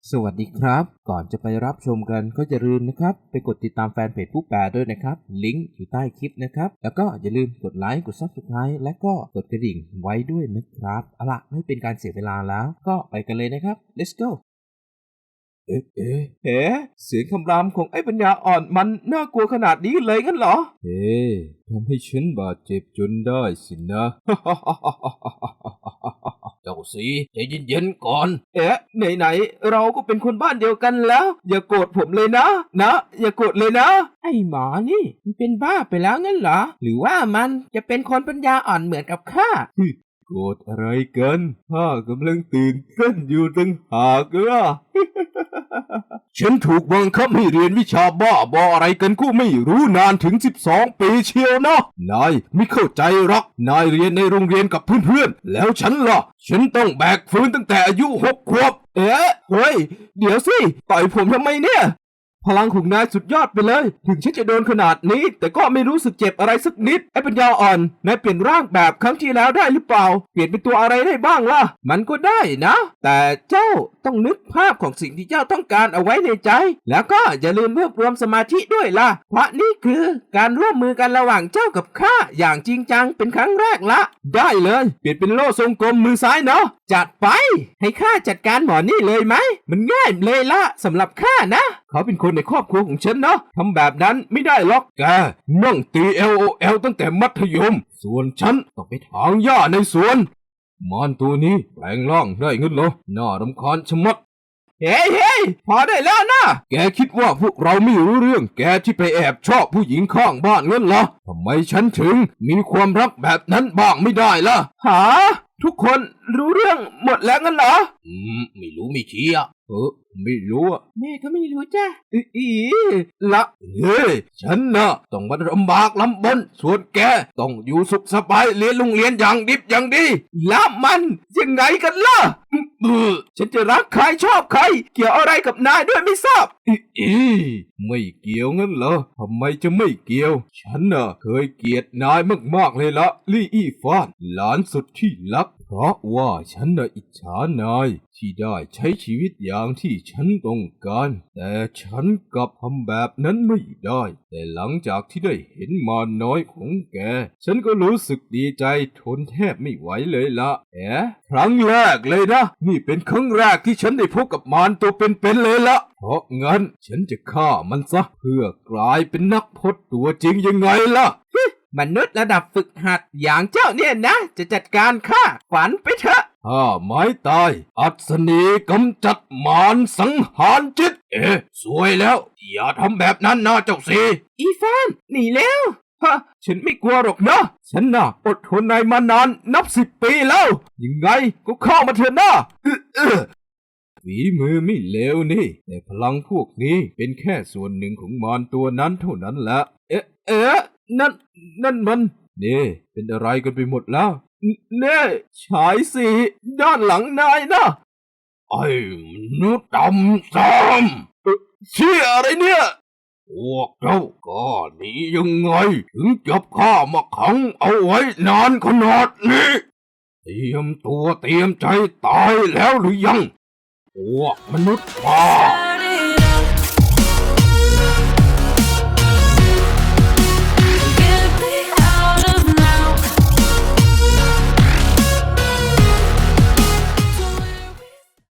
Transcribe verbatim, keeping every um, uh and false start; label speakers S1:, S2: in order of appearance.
S1: สวัสดีครับก่อนจะไปรับชมกันก็อย่าลืมนะครับไปกดติดตามแฟนเพจผู้แปลด้วยนะครับลิงก์อยู่ใต้คลิปนะครับแล้วก็อย่าลืมกดไลค์กด ซับสไครบ์ และก็กดกระดิ่งไว้ด้วยนะครับเอาล่ะไม่เป็นการเสียเวลาแล้วก็ไปกันเลยนะครับ let's go เอ๊ะเอ๊ะเอ๊ะเสียงคำรามของไอ้ปัญญาอ่อนมันน่ากลัวขนาดนี้เลยงั้นเหรอเอ๊ะทำให้ฉันบาดเจ็บจนได้สินะ เจ้าสีใจเย็นๆก่อนเอ๊ะไหนๆเราก็เป็นคนบ้านเดียวกันแล้วอย่าโกรธผมเลยนะนะอย่าโกรธเลยนะไอ้หมอนี่มันเป็นบ้าไปแล้วงั้นเหรอหรือว่ามันจะเป็นคนปัญญาอ่อนเหมือนกับข้าโกรธอะไรกันข้ากำลังตื่นเต้นอยู่ตั้งหากล่ะ ฉันถูกบังคับให้เรียนวิชาบ้าบออะไรกันก็ไม่รู้นานถึงสิบสองปีเชียวนะนายไม่เข้าใจหรอกนายเรียนในโรงเรียนกับเพื่อนๆแล้วฉันล่ะฉันต้องแบกฟืนตั้งแต่อายุหกขวบเอ๊ะเฮ้ยเดี๋ยวสิต่อยผมทำไมเนี่ยพลังของนายสุดยอดไปเลยถึงฉันจะโดนขนาดนี้แต่ก็ไม่รู้สึกเจ็บอะไรสักนิดไอ้ปัญญาอ่อนนายเปลี่ยนร่างแบบครั้งที่แล้วได้หรือเปล่าเปลี่ยนเป็นตัวอะไรได้บ้างล่ะมันก็ได้นะแต่เจ้าต้องนึกภาพของสิ่งที่เจ้าต้องการเอาไว้ในใจแล้วก็อย่าลืมรวบรวมสมาธิด้วยล่ะเพราะนี่คือการร่วมมือกันระหว่างเจ้ากับข้าอย่างจริงจังเป็นครั้งแรกละได้เลยเปลี่ยนเป็นโล่ทรงกลมมือซ้ายเนาะจัดไปให้ข้าจัดการหมอนี่เลยไหมมันง่ายเลยละสำหรับข้านะเขาเป็นคนในครอบครัวของฉันเนาะทำแบบนั้นไม่ได้หรอกแกนั่งตี แอล โอ แอล ตั้งแต่มัธยมส่วนฉันต้องไปถางหญ้าในสวนมอนตัวนี้แปลงร่างได้งั้นเหรอน่ารำคาญชะมัดเฮ้ยเฮ้ยพอได้แล้วนะแกคิดว่าพวกเราไม่รู้เรื่องแกที่ไปแอบชอบผู้หญิงข้างบ้านงั้นเหรอทำไมฉันถึงมีความรักแบบนั้นบ้างไม่ได้ล่ะหาทุกคนรู้เรื่องหมดแล้วงั้นเหรออืมไม่รู้ไม่ชี้อ่ะเออไม่รู้อ่ะแม่ก็ไม่รู้จ้ะอีอีละเฮ้ยฉันน่ะต้องมาลำบากลำบนส่วนแกต้องอยู่สุขสบายเรียนโรงเรียนอย่างดิบอย่างดีแล้วมันยังไงกันล่ะเออฉันจะรักใครชอบใครเกี่ยวอะไรกับนายด้วยไม่ทราบอีอีไม่เกี่ยวงั้นเหรอทำไมจะไม่เกี่ยวฉันน่ะเคยเกลียดนายมากๆเลยละลี่อี้ฟานหลานสุดที่รักเพราะว่าฉันน่ะอิจฉานายที่ได้ใช้ชีวิตอย่างที่ฉันต้องการแต่ฉันกลับทำแบบนั้นไม่ได้แต่หลังจากที่ได้เห็นมารน้อยของแกฉันก็รู้สึกดีใจทนแทบไม่ไหวเลยละแอะครั้งแรกเลยนะนี่เป็นครั้งแรกที่ฉันได้พบกับมารตัวเป็นๆเลยละเพราะงั้นฉันจะฆ่ามันซะเพื่อกลายเป็นนักพจน์ตัวจริงยังไงล่ะมนุษย์ระดับฝึกหัดอย่างเจ้าเนี่ยนะจะจัดการข้าฝันไปเถอะถ้าไม้ตายอัศนีกำจัดมารสังหารจิตเอ๊ะสวยแล้วอย่าทำแบบนั้นนะเจ้าสีอีฟานหนีแล้วฮะฉันไม่กลัวหรอกนะฉันน่ะอดทนนายมานานนับสิบปีแล้วยังไงก็เข้ามาเถอะนะเออเออฝีมือไม่เลวนี่แต่พลังพวกนี้เป็นแค่ส่วนหนึ่งของมารตัวนั้นเท่านั้นแหละเอ๊ะเอ๊ะนั่นนั่นมันนี่เป็นอะไรกันไปหมดแล้วเน่ชายสีด้านหลังนายนะไอ้มนุษย์ดำซ้ำเชี่ยอะไรเนี่ยพวกเจ้าก็หนียังไงถึงจับข้ามาขังเอาไว้นานขนาดนี้เตรียมตัวเตรียมใจตายแล้วหรือยังพวกมนุษย์ป้า